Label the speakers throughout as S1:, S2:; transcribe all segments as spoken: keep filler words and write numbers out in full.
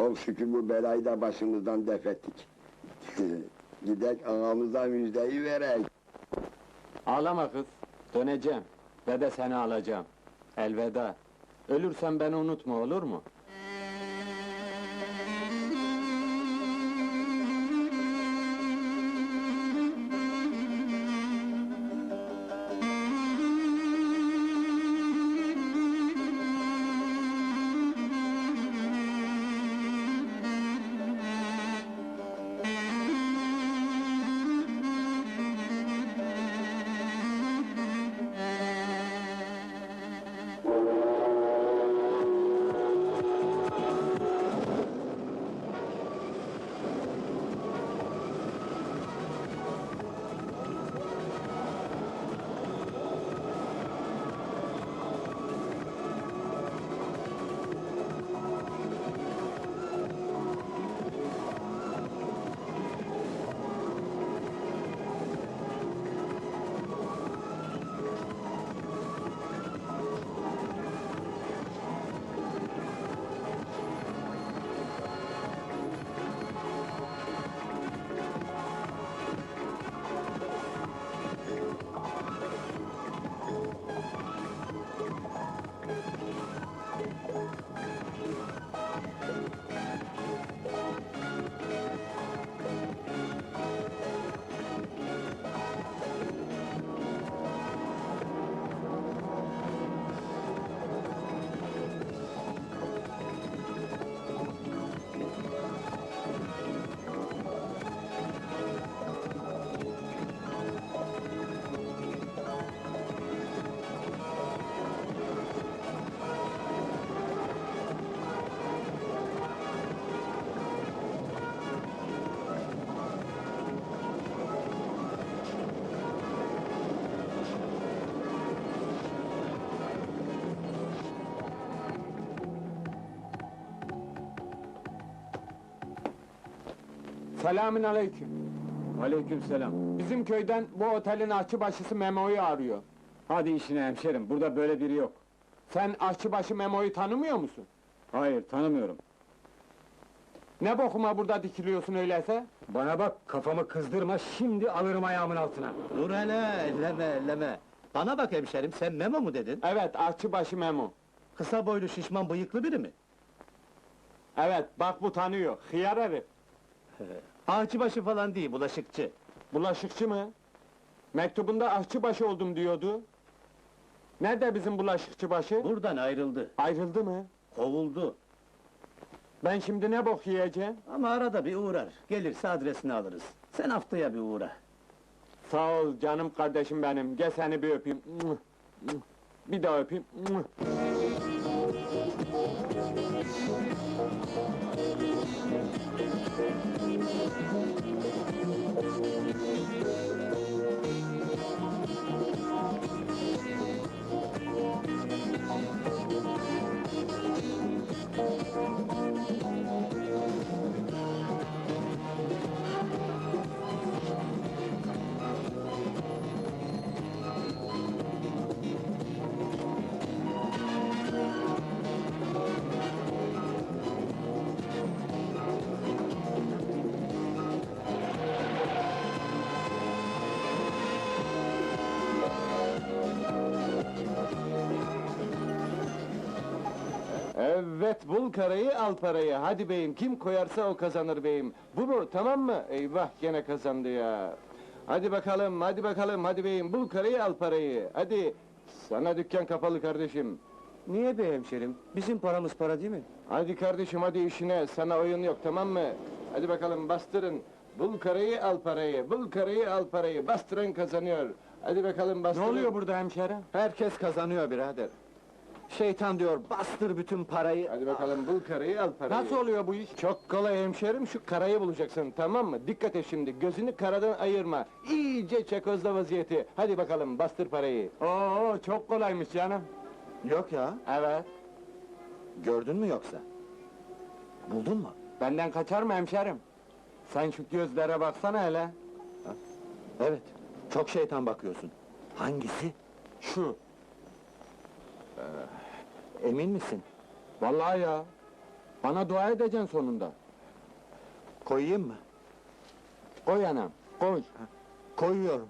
S1: Çok şükür bu belayı da başımızdan def ettik. Gidek ağamıza müjdeyi verek.
S2: Ağlama kız, döneceğim ve de seni alacağım. Elveda. Ölürsen beni unutma, olur mu? Selamün aleyküm.
S3: Aleykümselam.
S2: Bizim köyden bu otelin aşçıbaşısı Memo'yu arıyor.
S3: Hadi işine hemşerim, burada böyle biri yok.
S2: Sen aşçıbaşı Memo'yu tanımıyor musun?
S3: Hayır, tanımıyorum.
S2: Ne bokuma burada dikiliyorsun öyleyse?
S3: Bana bak, kafamı kızdırma, şimdi alırım ayağımın altına.
S4: Dur hele, elleme elleme! Bana bak hemşerim, sen Memo mu dedin?
S2: Evet, aşçıbaşı Memo.
S4: Kısa boylu, şişman, bıyıklı biri mi?
S2: Evet, bak bu tanıyor, hıyar herif.
S4: Ağaçbaşı falan değil, bulaşıkçı.
S2: Bulaşıkçı mı? Mektubunda aşçıbaşı oldum diyordu. Nerede bizim bulaşıkçı başı?
S4: Buradan ayrıldı,
S2: Ayrıldı mı?
S4: kovuldu.
S2: Ben şimdi ne bok yiyeceğim?
S4: Ama arada bir uğrar, gelirse adresini alırız. Sen haftaya bir uğra.
S2: Sağ ol canım kardeşim benim, gel seni bir öpeyim. Bir daha öpeyim. Evet, bul karayı, al parayı. Hadi beyim, kim koyarsa o kazanır beyim. Bu mu, tamam mı? Eyvah, gene kazandı ya. Hadi bakalım, hadi bakalım, hadi beyim, bul karayı, al parayı. Hadi, sana dükkan kapalı kardeşim.
S4: Niye be hemşerim? Bizim paramız para değil mi?
S2: Hadi kardeşim, hadi işine, sana oyun yok, tamam mı? Hadi bakalım, bastırın. Bul karayı, al parayı, bul karayı, al parayı. Bastıran kazanıyor. Hadi bakalım, bastırın.
S3: Ne oluyor burada hemşerim?
S2: Herkes kazanıyor birader.
S4: Şeytan diyor, bastır bütün parayı!
S2: Hadi bakalım, bul karayı, al parayı.
S3: Nasıl oluyor bu iş?
S2: Çok kolay hemşerim, şu karayı bulacaksın, tamam mı? Dikkat et şimdi, gözünü karadan ayırma. İyice çekozla vaziyeti. Hadi bakalım, bastır parayı.
S3: Oo, çok kolaymış canım.
S4: Yok ya,
S2: Evet.
S4: gördün mü yoksa? Buldun mu?
S2: Benden kaçar mı hemşerim? Sen şu gözlere baksana hele.
S4: Evet, çok şeytan bakıyorsun. Hangisi?
S2: Şu.
S4: Emin misin?
S2: Vallahi ya. Bana dua edeceksin sonunda.
S4: Koyayım mı?
S2: Koy anam, koy.
S4: Koyuyorum.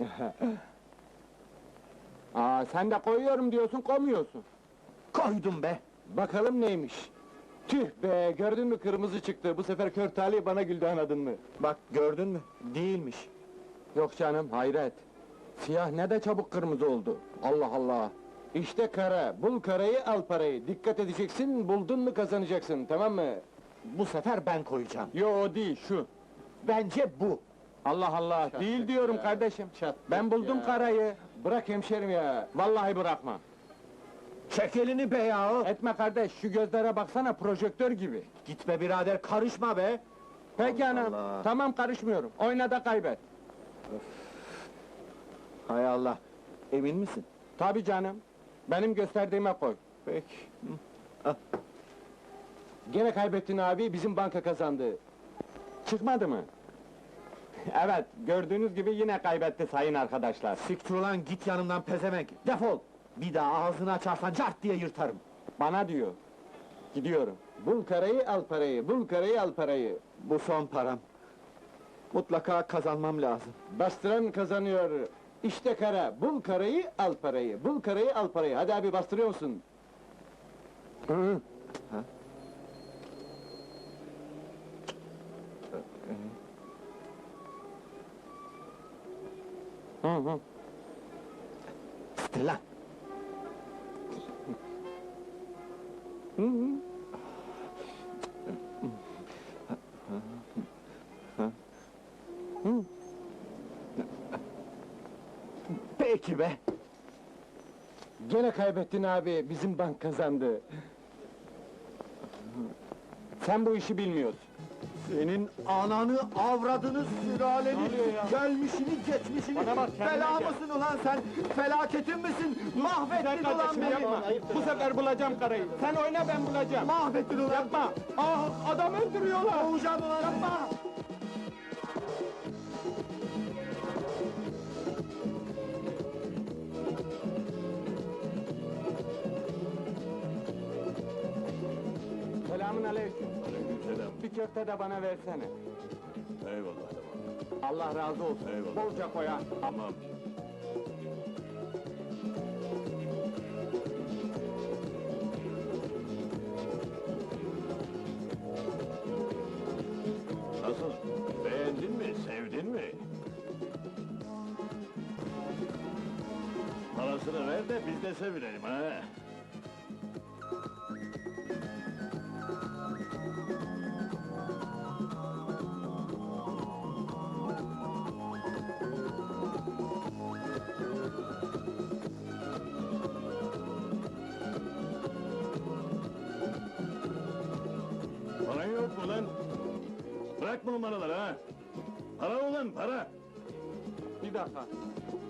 S2: Aa, sen de koyuyorum diyorsun, koymuyorsun.
S4: Koydum be!
S2: Bakalım neymiş? Tüh be, gördün mü kırmızı çıktı. Bu sefer kör talih bana güldü, anladın mı?
S4: Bak gördün mü? Değilmiş.
S2: Yok canım, hayret. Siyah ne de çabuk kırmızı oldu. Allah Allah! İşte kara, bul karayı, al parayı. Dikkat edeceksin, buldun mu kazanacaksın, tamam mı?
S4: Bu sefer ben koyacağım.
S2: Yo, o değil, şu.
S4: Bence bu.
S2: Allah Allah, değil diyorum
S1: ya,
S2: kardeşim.
S1: çattık
S2: Ben buldum
S1: ya.
S2: karayı. Bırak hemşerim ya, vallahi bırakma.
S4: Çek elini be yahu!
S2: Etme kardeş, şu gözlere baksana, projektör gibi.
S4: Gitme birader, karışma be!
S2: Peki
S4: Allah
S2: anam,
S4: Allah.
S2: tamam karışmıyorum. Oyna da kaybet.
S4: Hay Allah! Emin misin?
S2: Tabii canım. Benim gösterdiğime koy.
S4: Peki.
S2: Gene kaybettin abi, bizim banka kazandı. Çıkmadı mı? Evet, gördüğünüz gibi yine kaybetti sayın arkadaşlar.
S4: Siktir ulan, git yanımdan pezevenk! Defol! Bir daha ağzını açarsan cart diye yırtarım.
S2: Bana diyor. Gidiyorum. Bul karayı, al parayı, bul karayı, al parayı.
S4: Bu son param. Mutlaka kazanmam lazım.
S2: Bastıran kazanıyor. İşte kara, bul karayı, al parayı, bul karayı, al parayı. Hadi abi, bastırıyor musun? Hı. Hı hı.
S4: Stella!
S2: Hı hı. Hı.
S4: Peki be!
S2: Gene kaybettin abi, bizim bank kazandı. Sen bu işi bilmiyorsun.
S4: Senin ananı, avradını, sülaleni,
S2: Ne oluyor ya?
S4: gelmişini, geçmişini,
S2: Bana bak, kendine
S4: bela
S2: gel.
S4: mısın ulan sen? Felaketin misin? Mahvettin
S2: Sen
S4: ulan
S2: kardeşim
S4: beni!
S2: yapma. Bu sefer bulacağım karayı. Sen oyna, ben bulacağım.
S4: Mahvettin ulan!
S2: Yapma. Ah, adam öldürüyorlar.
S4: Boğacağım ulan! Yapma!
S2: Selamün aleyküm.
S5: Aleykümselam.
S2: Bir köfte de bana versene.
S5: Eyvallah tamam.
S2: Allah razı olsun.
S5: Eyvallah.
S2: Bolca koy ha.
S5: Tamam. Nasıl? Beğendin mi? Sevdin mi? Parasını ver de biz de sevinelim ha. Paran yok mu lan? Bırak bu numaraları ha! Para ulan, para!
S2: Bir dakika.